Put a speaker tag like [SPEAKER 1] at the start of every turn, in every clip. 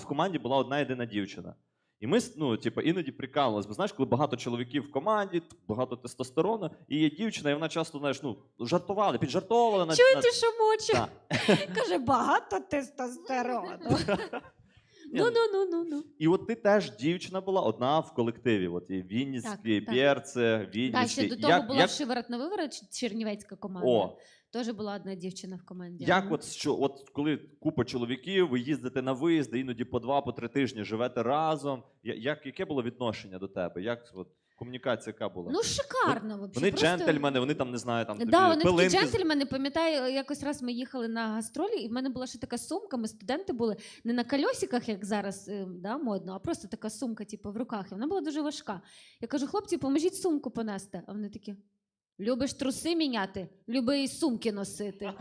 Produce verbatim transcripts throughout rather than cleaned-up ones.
[SPEAKER 1] команді була одна єдина дівчина. І ми, ну, типу, іноді прикалувалися. Бо знаєш, коли багато чоловіків в команді, багато тестостерону, і є дівчина, і вона часто, знаєш, ну, жартували, піджартовували. На,
[SPEAKER 2] Чуєте,
[SPEAKER 1] на...
[SPEAKER 2] що моче?
[SPEAKER 1] Да.
[SPEAKER 2] Каже, багато тестостерону. Ну, ну, ну, ну, ну.
[SPEAKER 1] І от ти теж дівчина була одна в колективі. От і Вінницький,
[SPEAKER 2] Так,
[SPEAKER 1] Бєрце,
[SPEAKER 2] Так,
[SPEAKER 1] Вінницький.
[SPEAKER 2] ще до того
[SPEAKER 1] як,
[SPEAKER 2] була
[SPEAKER 1] як...
[SPEAKER 2] шиворот на виворот, чернівецька команда.
[SPEAKER 1] О,
[SPEAKER 2] Теж була одна дівчина в команді.
[SPEAKER 1] як
[SPEAKER 2] Ага.
[SPEAKER 1] от, що, от коли купа чоловіків, ви їздите на виїзди, іноді по два, по три тижні живете разом. Я- Як, яке було відношення до тебе? Як от, комунікація яка була?
[SPEAKER 2] Ну, шикарно, взагалі.
[SPEAKER 1] Вони
[SPEAKER 2] Просто...
[SPEAKER 1] джентльмени, вони там, не знаю, там тобі
[SPEAKER 2] Да, вони такі
[SPEAKER 1] пилинки з-
[SPEAKER 2] джентльмени. Пам'ятаю, якось раз ми їхали на гастролі, і в мене була ще така сумка, ми студенти були не на кольосиках, як зараз е, да, модно, а просто така сумка, типу, в руках. І вона була дуже важка. Я кажу, хлопці, поможіть сумку понести. А вони такі, любиш труси міняти? Люби і сумки носити.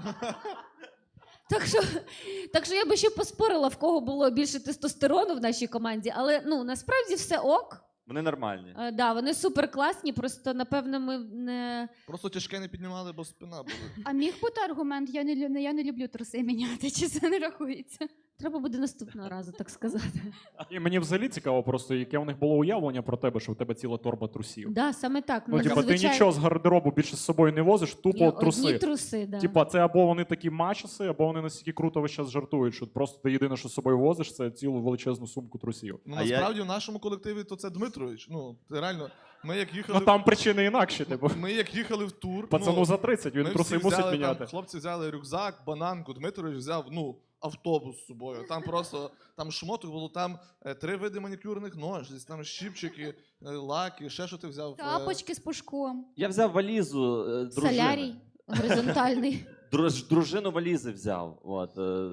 [SPEAKER 2] Так що, так що я би ще поспорила, в кого було більше тестостерону в нашій команді, але ну, насправді все ок.
[SPEAKER 1] Вони нормальні.
[SPEAKER 2] Е, да, вони супер класні, просто напевно ми не...
[SPEAKER 3] Просто тяжке не піднімали, бо спина була.
[SPEAKER 4] А міг бути аргумент, я не, лю- я не люблю труси міняти, чи це не рахується?
[SPEAKER 2] Треба буде наступного разу, так сказати.
[SPEAKER 5] І мені взагалі цікаво просто, яке у них було уявлення про тебе, що в тебе ціла торба трусів.
[SPEAKER 2] Да, саме так.
[SPEAKER 5] Ну, типа, ти
[SPEAKER 2] зазвичай-
[SPEAKER 5] нічого з гардеробу більше з собою не возиш, тупо
[SPEAKER 2] Ні,
[SPEAKER 5] труси.
[SPEAKER 2] Одні труси, да.
[SPEAKER 5] Типа, це або вони такі мачоси, або вони настільки круто весь час жартують, що просто ти єдине, що з собою возиш, це цілу величезну сумку трусів.
[SPEAKER 3] Ну,
[SPEAKER 1] А я-
[SPEAKER 3] насправді, в нашому колективі то це Дмитрович. Ну, ти реально, ми як їхали...
[SPEAKER 5] Ну там причини інакші, типу.
[SPEAKER 3] Ми як їхали в тур...
[SPEAKER 5] Пацану
[SPEAKER 3] ну,
[SPEAKER 5] за тридцять, він
[SPEAKER 3] ми
[SPEAKER 5] труси
[SPEAKER 3] всі
[SPEAKER 5] мусить
[SPEAKER 3] взяли,
[SPEAKER 5] міняти.
[SPEAKER 3] Там, хлопці взяли рюкзак, бананку, Дмитрович взяв, ну, автобус з собою. Там просто, там шмоток було, там е, три види манікюрних ножиць, там щіпчики, е, лаки, ще що ти взяв. е,
[SPEAKER 4] Тапочки з пушком.
[SPEAKER 1] Я взяв валізу е, дружини.
[SPEAKER 2] Солярій горизонтальний.
[SPEAKER 1] Друж, дружину валізи взяв. От, е.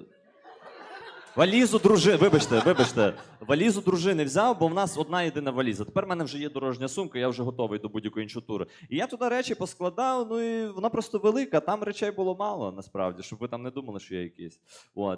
[SPEAKER 1] Валізу дружини, вибачте, вибачте, валізу дружини взяв, бо в нас одна єдина валіза. Тепер в мене вже є дорожня сумка, я вже готовий до будь-якої іншої тури. І я туди речі поскладав, ну і вона просто велика, там речей було мало, насправді, щоб ви там не думали, що я якийсь. От.